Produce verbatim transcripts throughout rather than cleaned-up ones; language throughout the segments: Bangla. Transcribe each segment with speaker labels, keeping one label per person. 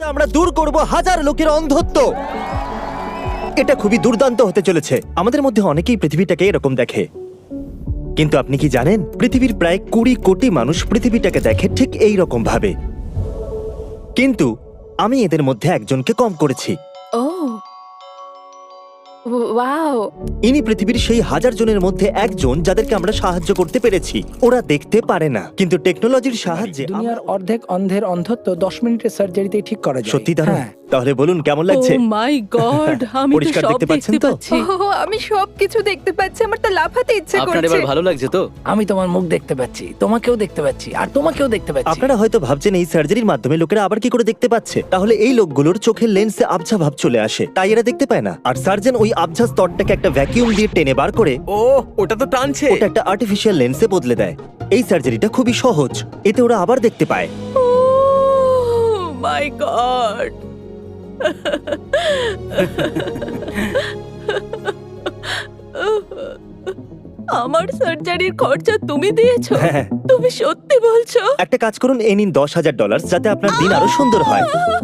Speaker 1: আমরা দূর করব হাজার লোকের অন্ধত্ব। এটা খুবই দুর্দান্ত হতে চলেছে। আমাদের মধ্যে অনেকেই পৃথিবীটাকে এরকম দেখে, কিন্তু আপনি কি জানেন পৃথিবীর প্রায় কুড়ি কোটি মানুষ পৃথিবীটাকে দেখে ঠিক এই রকম ভাবে। কিন্তু আমি এদের মধ্যে একজনকে কম করেছি।
Speaker 2: ও ওয়াও,
Speaker 1: ইনি পৃথিবীর সেই হাজার জনের মধ্যে একজন যাদেরকে আমরা সাহায্য করতে পেরেছি। ওরা দেখতে পারে না, কিন্তু টেকনোলজির সাহায্যে
Speaker 3: দুনিয়ার অর্ধেক অন্ধের অন্ধত্ব দশ মিনিটের সার্জারিতেই ঠিক করা যায়।
Speaker 1: সত্যি দারুণ।
Speaker 3: হ্যাঁ।
Speaker 1: তাহলে বলুন কেমন
Speaker 2: ও
Speaker 1: লাগছে?
Speaker 2: মাই গড, আমি তো
Speaker 1: পরিষ্কার
Speaker 2: সব
Speaker 1: দেখতে পাচ্ছেন
Speaker 2: দেখতে
Speaker 1: তো?
Speaker 2: পাচ্ছি।
Speaker 4: ও আমি সবকিছু দেখতে পাচ্ছি, আমার তো লাফাতে ইচ্ছে
Speaker 5: আপনার
Speaker 4: করছে।
Speaker 5: এবার ভালো লাগছে তো?
Speaker 3: আমি তোমার মুখ দেখতে পাচ্ছি, তোমাকেও দেখতে পাচ্ছি, আর তোমাকেও দেখতে পাচ্ছি।
Speaker 1: আপনারা হয়তো ভাবছেন এই সার্জারির মাধ্যমে লোকেরা আবার কি করে দেখতে পাচ্ছে। তাহলে এই লোকগুলোর চোখের লেন্সে আবঝা ভাব চলে আসে, তাই এরা দেখতে পায় না। আর সার্জন ওই আবঝা স্তরটাকে একটা ভ্যাকিউম দিয়ে টেনে বার করে
Speaker 6: ও ওটা তো টানছে।
Speaker 1: ওটা একটা আর্টিফিশিয়াল লেন্সে বদলে দেয়। এই সার্জারিটা খুবই সহজ, এতে ওরা আবার দেখতে পায়।
Speaker 2: ও মাই গড, আমার সার্জারির খরচা তুমি দিয়েছো?
Speaker 1: হ্যাঁ।
Speaker 2: তুমি সত্যি বলছো?
Speaker 1: একটা কাজ করুন, এই নিন দশ হাজার ডলার, যাতে আপনার দিন আরো সুন্দর হয়।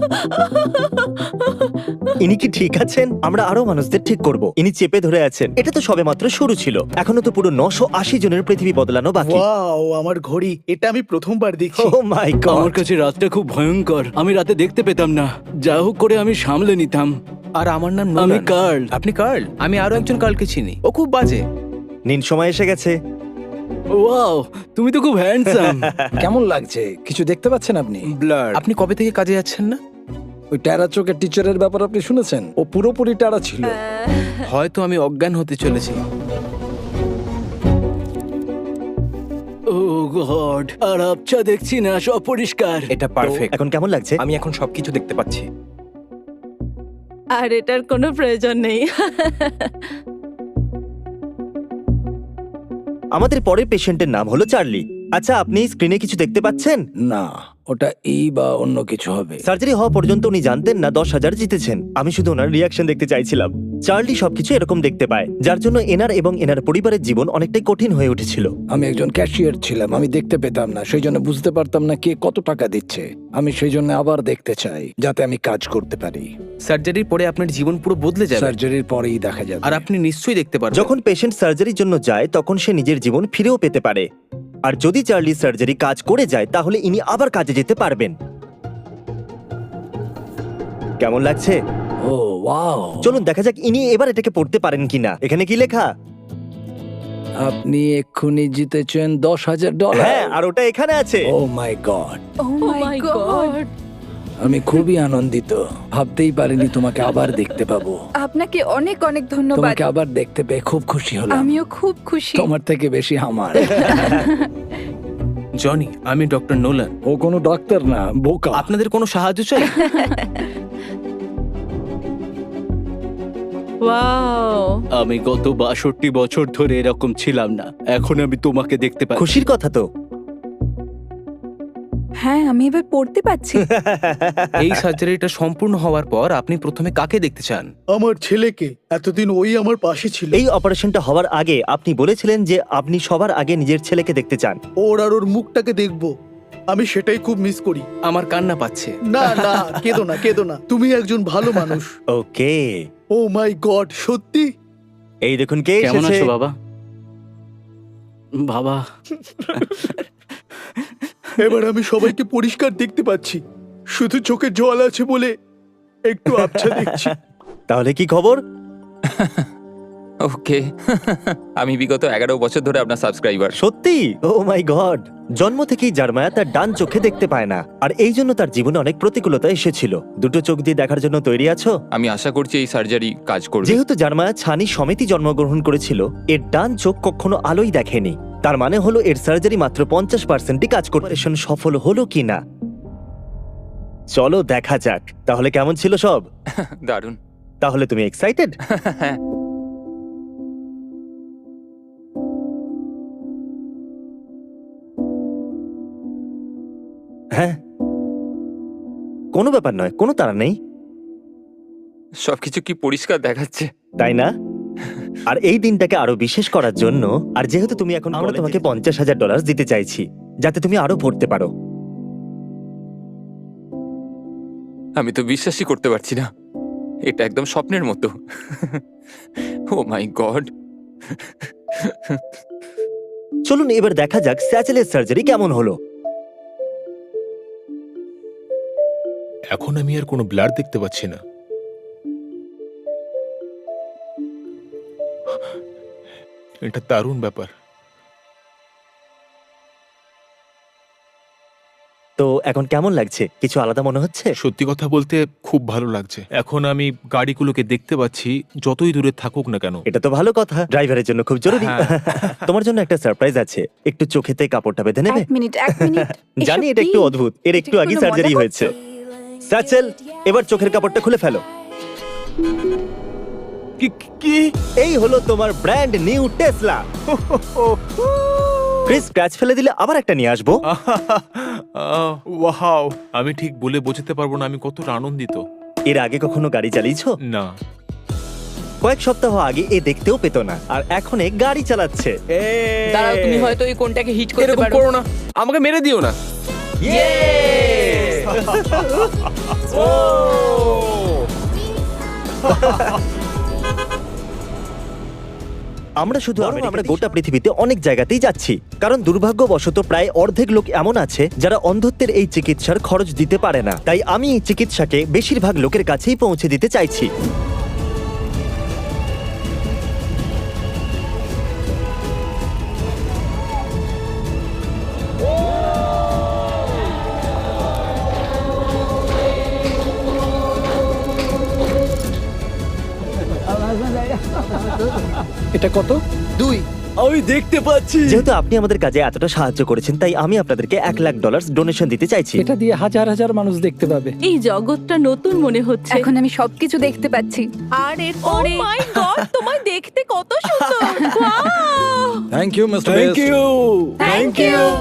Speaker 1: ইনি কি ঠিক আছেন? আমরা আরো মানুষদের ঠিক করব। ইনি চেপে ধরে আছেন। এটা তো সবে মাত্র শুরু ছিল, এখনো তো পুরো নশো আশি জনের পৃথিবী বদলানো বাকি।
Speaker 6: ওয়াও, আমার ঘড়ি, এটা আমি প্রথমবার দেখছি।
Speaker 1: ও মাই
Speaker 5: আমার
Speaker 1: গড।
Speaker 5: কাছে রাতটা খুব ভয়ঙ্কর। আমি রাতে দেখতে পেতাম না, যা হোক করে আমি সামলে নিতাম।
Speaker 6: আর আমার নাম
Speaker 5: আমি
Speaker 6: নোলান।
Speaker 5: কার্ল।
Speaker 6: আপনি কার্ল? আমি আরো একজন কার্লকে চিনি, ও খুব বাজে।
Speaker 1: নিন, সময় এসে গেছে।
Speaker 5: ওয়াও, তুমি তো খুব হ্যান্ডসাম।
Speaker 3: কেমন লাগছে? কিছু দেখতে পাচ্ছেন আপনি?
Speaker 6: ব্লার। আপনি কবে থেকে কাজে যাচ্ছেন না?
Speaker 3: ওই টেরা চোখের টিচারের ব্যাপার আপনি শুনেছেন? ও পুরোপুরি টেরা ছিল।
Speaker 6: হয়তো আমি অজ্ঞান হতে চলেছি।
Speaker 5: ও গড, আর আবছা দেখছি না, সব পরিষ্কার।
Speaker 6: এটা পারফেক্ট।
Speaker 1: এখন কেমন লাগছে?
Speaker 6: আমি এখন সবকিছু দেখতে পাচ্ছি।
Speaker 2: আর এটার কোনো প্রয়োজন নেই।
Speaker 1: আমাদের পরের পেশেন্টের নাম হলো চার্লি। আচ্ছা, আপনি স্ক্রিনে কিছু দেখতে পাচ্ছেন?
Speaker 3: না, ওটা এই বা অন্য কিছু হবে।
Speaker 1: সার্জারি হওয়া পর্যন্ত উনি জানতেন না দশ হাজার জিতেছেন। আমি শুধু ওনার রিয়াকশন দেখতে চাইছিলাম। চার্লি সবকিছু এরকম দেখতে পায়, যার জন্য এনার এবং এনার পরিবারের জীবন অনেকটাই কঠিন হয়ে উঠেছিল।
Speaker 3: আমি একজন ক্যাশিয়ার ছিলাম, আমি দেখতে পেতাম না, সেই জন্য বুঝতে পারতাম না কে কত টাকা দিচ্ছে। আমি সেই জন্য আবার দেখতে চাই, যাতে আমি কাজ করতে পারি।
Speaker 6: সার্জারির পরে আপনার জীবন পুরো বদলে যাবে,
Speaker 3: সার্জারির পরেই দেখা যাবে।
Speaker 6: আর আপনি নিশ্চয়ই দেখতে পারবেন।
Speaker 1: যখন পেশেন্ট সার্জারির জন্য যায়, তখন সে নিজের জীবন ফিরেও পেতে পারে। আর যদি চার্লি সার্জারি কাজ করে যায়, তাহলে ইনি আবার কাজে যেতে পারবেন। কেমন লাগছে?
Speaker 3: ও ওয়াও,
Speaker 1: চলুন দেখা যাক ইনি এবার এটাকে পড়তে পারেন কিনা। এখানে কি লেখা?
Speaker 3: আপনি এক্ষুনি জিতেছেন দশ হাজার ডলার।
Speaker 1: হ্যাঁ, আর ওটা এখানে আছে।
Speaker 3: Oh my god,
Speaker 4: oh
Speaker 2: oh
Speaker 4: my
Speaker 2: my
Speaker 4: god,
Speaker 2: god,
Speaker 3: আমি খুবই আনন্দিত। ভাবতেই পারিনি তোমাকে আবার দেখতে পাবো।
Speaker 4: আপনাকে অনেক অনেক ধন্যবাদ।
Speaker 3: তোমাকে আবার দেখতে পেয়ে খুব খুশি হলাম।
Speaker 4: আমিও খুব খুশি।
Speaker 3: তোমার থেকে বেশি আমার।
Speaker 6: জনি, আমি ডক্টর নোলান।
Speaker 3: ও কোনো ডাক্তার না, বোকা।
Speaker 6: আপনাদের কোনো সাহায্য চাই?
Speaker 2: ওয়াও,
Speaker 5: আমি গত বাষট্টি বছর ধরে এরকম ছিলাম না, এখন আমি তোমাকে দেখতে পাচ্ছি।
Speaker 1: খুশির কথা তো।
Speaker 4: হ্যাঁ, আমি এবার পড়তে পাচ্ছি।
Speaker 6: এই সার্জারিটা সম্পূর্ণ হওয়ার পর আপনি প্রথমে কাকে দেখতে চান?
Speaker 7: আমার ছেলেকে। এতদিন ওই আমার পাশে ছিল।
Speaker 1: এই অপারেশনটা হওয়ার আগে আপনি বলেছিলেন যে আপনি সবার আগে নিজের ছেলেকে দেখতে চান।
Speaker 7: ওর আর ওর মুখটাকে দেখবো, আমি সেটাই খুব মিস করি।
Speaker 6: আমার কান্না পাচ্ছে।
Speaker 7: না না, কেঁদো না কেঁদো না, তুমি একজন ভালো মানুষ।
Speaker 1: ওকে,
Speaker 7: ও মাই গড, সত্যি?
Speaker 1: এই দেখুন কে
Speaker 5: কেমন
Speaker 1: এসেছে।
Speaker 5: আছো বাবা? বাবা,
Speaker 7: এবার আমি সবাইকে পরিষ্কার দেখতে পাচ্ছি, শুধু চোখে জল আছে বলে একটু আবছা দেখছি।
Speaker 1: তাহলে কি খবর?
Speaker 8: ওকে। আমি বিগত এগারো বছর ধরে আপনার সাবস্ক্রাইবার।
Speaker 1: সত্যি? Oh my god. জন্ম থেকেই জার্মায়া তার ডান চোখে দেখতে পায় না, আর এই জন্য তার জীবনে অনেক প্রতিকূলতা এসেছিল। দুটো চোখ দিয়ে দেখার জন্য তৈরি আছো?
Speaker 8: আমি আশা করছি এই সার্জারি কাজ করবে।
Speaker 1: যেহেতু জার্মায়া ছানি সমেতই জন্মগ্রহণ করেছিল, এর ডান চোখ কখনো আলোই দেখেনি। তার মানে হলো এর সার্জারি মাত্র পঞ্চাশ পার্সেন্টই কাজ করে। অপারেশন সফল হলো কিনা চলো দেখা যাক। তাহলে কেমন ছিল সব?
Speaker 8: দারুণ।
Speaker 1: তাহলে তুমি এক্সাইটেড?
Speaker 8: হ্যাঁ।
Speaker 1: হ্যাঁ, কোনো ব্যাপার নয়, কোনো তাড়া নেই,
Speaker 8: সবকিছু কি পরিষ্কার দেখাচ্ছে।
Speaker 1: তাই না? আর এই দিনটাকে আরো বিশেষ করার জন্য, আর যেহেতু তুমি এখন, আমরা তোমাকে পঞ্চাশ হাজার ডলার দিতে চাইছি, যাতে তুমি আরো পড়তে পারো।
Speaker 8: আমি তো বিশ্বাসই করতে পারছি না, এটা একদম স্বপ্নের মতো। Oh my god.
Speaker 1: চলুন এবার দেখা যাক স্যাচেলের সার্জারি কেমন হলো।
Speaker 9: এখন আমি আর কোনো ব্লাড দেখতে পাচ্ছি না। এটা দারুণ ব্যাপার।
Speaker 1: তো এখন কেমন লাগছে? কিছু আলাদা মনে হচ্ছে?
Speaker 9: সত্যি কথা বলতে খুব ভালো লাগছে। এখন আমি গাড়িগুলোকে দেখতে পাচ্ছি, যতই দূরে থাকুক না কেন।
Speaker 1: এটা তো ভালো কথা, ড্রাইভারের জন্য খুব জরুরি।
Speaker 9: হ্যাঁ।
Speaker 1: তোমার জন্য একটা সারপ্রাইজ আছে, একটু চোখেতে কাপড়টা বেঁধে নেবে?
Speaker 4: এক মিনিট এক মিনিট
Speaker 1: জানি
Speaker 4: এসব
Speaker 1: এটা একটু
Speaker 4: কি?
Speaker 1: অদ্ভুত, এর একটু
Speaker 4: এটা কি
Speaker 1: আগে
Speaker 4: কোনো
Speaker 1: সার্জারি
Speaker 4: মজা
Speaker 1: হয়েছে।
Speaker 4: করছো?
Speaker 1: স্যাচেল, এবার চোখের কাপড়টা খুলে ফেলো।
Speaker 9: কি কি
Speaker 1: এই হলো তোমার brand new Tesla. Chris, scratch ফেলে দিলে আবার একটা নিয়ে আসবো।
Speaker 9: ওয়াও, আমি ঠিক বলে বোঝাতে পারবো না আমি কতটা আনন্দিত।
Speaker 1: এর আগে কখনো গাড়ি চালিয়েছো?
Speaker 9: না,
Speaker 1: কয়েক সপ্তাহ আগে এ দেখতেও পেতো না, আর এখন এ গাড়ি চালাচ্ছে।
Speaker 10: দাঁড়াও, তুমি হয়তো এই কোনটাকে হিট করতে
Speaker 6: এরকম
Speaker 10: পারো।
Speaker 6: করো না, আমাকে মেরে দিও না।
Speaker 1: আমরা শুধু আমরা আমরা গোটা পৃথিবীতে অনেক জায়গাতেই যাচ্ছি, কারণ দুর্ভাগ্যবশত প্রায় অর্ধেক লোক এমন আছে যারা অন্ধত্বের এই চিকিৎসার খরচ দিতে পারে না। তাই আমি এই চিকিৎসাকে বেশিরভাগ লোকের কাছেই পৌঁছে দিতে চাইছি।
Speaker 3: এটা কত?
Speaker 5: দুই, আমি দেখতে পাচ্ছি।
Speaker 1: যেহেতু আপনি আমাদের কাজে এতটা সাহায্য করেছেন, তাই আমি আপনাদেরকে এক লাখ ডলার ডোনেশন দিতে চাইছি।
Speaker 3: এটা দিয়ে হাজার হাজার মানুষ দেখতে পাবে।
Speaker 2: এই জগৎটা নতুন মনে হচ্ছে।
Speaker 4: এখন আমি সবকিছু দেখতে পাচ্ছি।
Speaker 2: আর এরপরে ও মাই গড, তোমায় দেখতে কত সুন্দর। Wow!
Speaker 3: Thank you mister
Speaker 5: thank you,
Speaker 4: thank you.